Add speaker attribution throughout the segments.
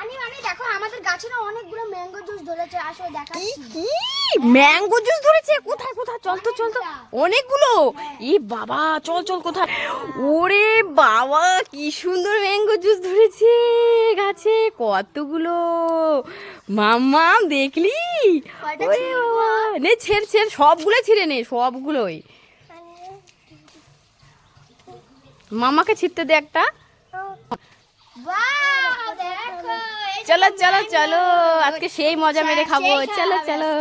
Speaker 1: দেখো আমাদের গাছে না অনেকগুলো ম্যাঙ্গো জুস ধরেছে, আসো দেখাচ্ছি।
Speaker 2: কি ম্যাঙ্গো জুস ধরেছে? কোথায় কোথায়? চল তো চল তো, অনেকগুলো। ই বাবা, চল চল কোথায়? ওরে বাবা, কি সুন্দর ম্যাঙ্গো জুস ধরেছে গাছে, কতগুলো। মাম্মা দেখলি? ওরে বাবা, নে ছেড় ছেড়, সবগুলো ছিঁড়ে নে, সবগুলোই। মামাকে ছিঁড়তে দে একটা। চলো চলো চলো, আজকে সেই মজা মেরে খাবো। চলো চলো,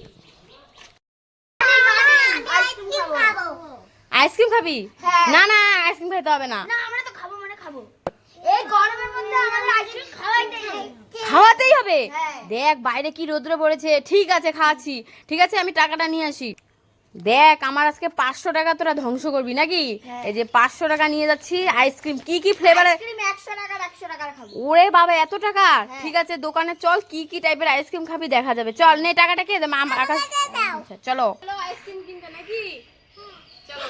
Speaker 2: আইসক্রিম খাবি? না না, আইসক্রিম খাইতে হবে না।
Speaker 1: আমরা তো খাবো মানে খাবো, এই গরমের মধ্যে আমাদের আইসক্রিম
Speaker 2: খাওয়াতেই হবে। দেখ বাইরে কি রোদ্র পড়েছে। ঠিক আছে খাচ্ছি, ঠিক আছে আমি টাকাটা নিয়ে আসি। দেখ আমার আজকে 500 টাকা তোরা ধ্বংস করবি নাকি? এই যে 500 টাকা নিয়ে যাচ্ছি। আইসক্রিম কি কি ফ্লেভারের?
Speaker 1: 100 টাকার খাবো।
Speaker 2: ওরে বাবা, এত টাকা? ঠিক আছে দোকানে চল, কি কি টাইপের আইসক্রিম খাবি দেখা যাবে। চল নে টাকাটা কে দে, আকাশ। আচ্ছা চলো আইসক্রিম কিনতে নাকি? চলো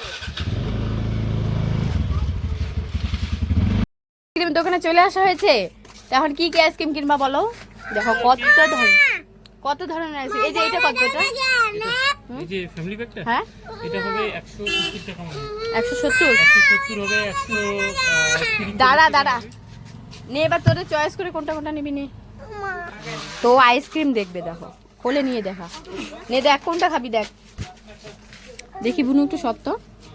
Speaker 2: আইসক্রিম দোকানে চলে আসা হয়েছে। এখন কি কি আইসক্রিম কিনবা বলো? দেখো কত ধরনের আইসক্রিম। এই যে এটা কত?
Speaker 3: এই যে ফ্যামিলি প্যাকটা,
Speaker 2: হ্যাঁ
Speaker 3: এটা হবে 170 টাকা মানে।
Speaker 2: 170
Speaker 3: 170 হবে 130।
Speaker 2: দাঁড়া নে, এবার তোদের চয়েস করে কোনটা কোনটা নিবি নে। তো আইসক্রিম দেখবে, দেখো খোলে নিয়ে দেখা। নে দেখ কোনটা খাবি, দেখ দেখি বুনু একটু সত্য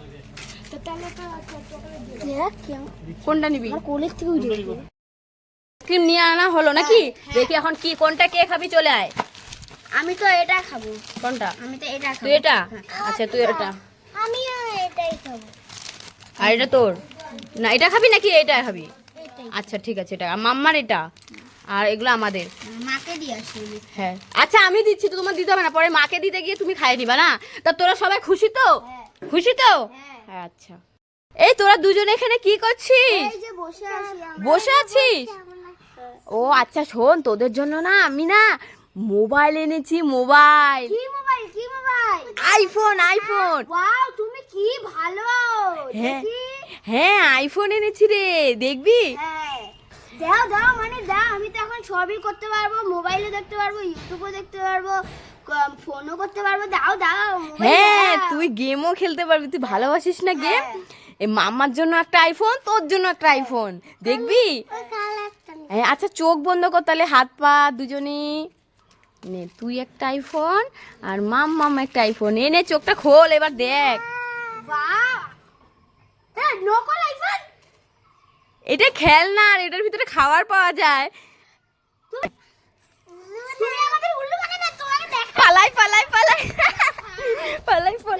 Speaker 2: কোনটা নিবি। আইসক্রিম নিয়ে আনা হলো নাকি? দেখি এখন কি কোনটা কে খাবি, চলে আয়।
Speaker 1: আমি তো এটা খাবো।
Speaker 2: কোনটা?
Speaker 1: আমি তো এটা খাবো।
Speaker 2: তুই এটা? আচ্ছা তুই এটা।
Speaker 1: আমিও এটাই খাবো।
Speaker 2: আর এটা তোর না? এটা খাবি নাকি এটা খাবি? আচ্ছা ঠিক আছে, এটা মাম্মার, এটা আর এগুলো আমাদের।
Speaker 1: মাকে দিয়ে আসি।
Speaker 2: হ্যাঁ আচ্ছা আমি দিচ্ছি তো, তোমার দিতে হবে না। পরে মাকে দিতে গিয়ে তুমি খাইয়ে নিবা না। তা তোরা সবাই খুশি তো? খুশি তো? হ্যাঁ আচ্ছা। এই তোরা দুজনে এখানে কি করছিস?
Speaker 1: এই যে বসে আছি আমরা।
Speaker 2: বসে আছিস? ও আচ্ছা শোন, তোদের জন্য না আমি না মোবাইল এনেছি। মোবাইল,
Speaker 1: কি মোবাইল? কি মোবাইল?
Speaker 2: আইফোন।
Speaker 1: ওয়াও, তুমি কি ভালো।
Speaker 2: হ্যাঁ
Speaker 1: দেখি।
Speaker 2: হ্যাঁ আইফোন এনেছি রে, দেখবি?
Speaker 1: হ্যাঁ দাও মানে দাও, আমি তো এখন সবই করতে পারবো, মোবাইলে দেখতে পারবো, ইউটিউবে দেখতে পারবো, ফোনও করতে পারবো। দাও মোবাইল
Speaker 2: হ্যাঁ
Speaker 1: দাও।
Speaker 2: তুই গেমও খেলতে পারবি, তুই ভালোবাসিস না গেম? এই মাম্মার জন্য একটা আইফোন, তোর জন্য একটা আইফোন, দেখবি? হ্যাঁ আচ্ছা চোখ বন্ধ কর তাহলে, হাত পা দুজনেই নে। তুই একটা আইফোন আর মাম্মাম একটা আইফোন। এনে চোখটা খোল এবার দেখ।
Speaker 1: বাহ, হ্যাঁ নকল আইফোন।
Speaker 2: এটা খেলনা আর এটার ভিতরে খাবার পাওয়া যায়।